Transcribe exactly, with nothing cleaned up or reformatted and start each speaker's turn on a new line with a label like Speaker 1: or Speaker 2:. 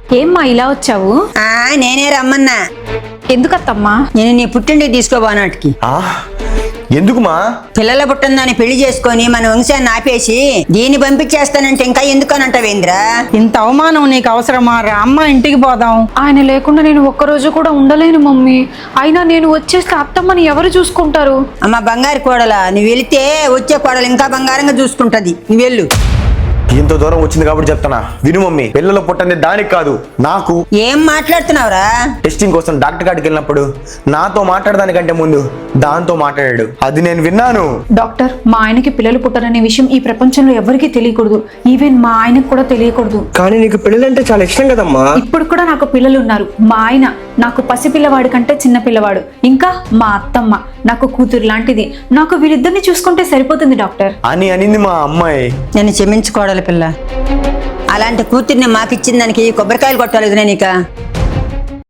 Speaker 1: ఏమ్మా ఇలా వచ్చావు?
Speaker 2: ఆ నేనే రమ్మన్నా.
Speaker 1: ఎందుకత్తమ్మా?
Speaker 2: నేను నీ పుట్టింటికి తీసుకోబోనాటికి.
Speaker 3: ఆ ఎందుకుమా?
Speaker 2: పిల్లల పుట్టిందని పెళ్లి చేసుకొని మన వంశాన్ని ఆపేసి దీన్ని పంపించేస్తానంటే ఇంకా ఎందుకనంటావేంద్రా?
Speaker 4: ఇంత అవమానం నీకు అవసరమా? రా అమ్మ, ఇంటికి పోదాం.
Speaker 1: ఆయన లేకుండా నేను ఒక్కరోజు కూడా ఉండలేను మమ్మీ. అయినా నేను వచ్చేస్తే అత్తమ్మని ఎవరు చూసుకుంటారు?
Speaker 2: అమ్మ బంగారు కోడల, నువ్వు వెళితే వచ్చే కోడలు ఇంకా బంగారంగా చూసుకుంటది. నువ్వు వెళ్ళు.
Speaker 3: ఇంత దూరం వచ్చింది కాబట్టి చెప్తానా, విను మమ్మీ. పిల్లలు పుట్టింది దానికి కాదు, నాకు.
Speaker 2: ఏం మాట్లాడుతున్నావురా?
Speaker 3: టెస్టింగ్ కోసం డాక్టర్ కాడికి వెళ్ళినప్పుడు నాతో మాట్లాడడానికంటే ముందు దాంతో మాట్లాడాడు, అది నేను విన్నాను.
Speaker 1: డాక్టర్, మా ఆయనకి పిల్లలు పుట్టారనే విషయం ఈ ప్రపంచంలో ఎవరికీ తెలియకూడదు. ఈవెన్ మా ఆయనకు కూడా తెలియకూడదు.
Speaker 5: కానీ నీకు పెళ్ళంటే చాలా ఇష్టం కదమ్మా.
Speaker 1: ఇప్పుడు కూడా నాకు పిల్లలు ఉన్నారు. మా ఆయన నాకు పసిపిల్లవాడి కంటే చిన్న పిల్లవాడు. ఇంకా మా అత్తమ్మ నాకు కూతురు లాంటిది. నాకు వీళ్ళిద్దరిని చూసుకుంటే సరిపోతుంది డాక్టర్
Speaker 3: అని అనింది మా అమ్మాయి.
Speaker 2: నన్ను క్షమించుకోడల పిల్ల. అలాంటి కూతుర్ని మాకిచ్చిన దానికి కొబ్బరికాయలు కొట్టాలి నీక.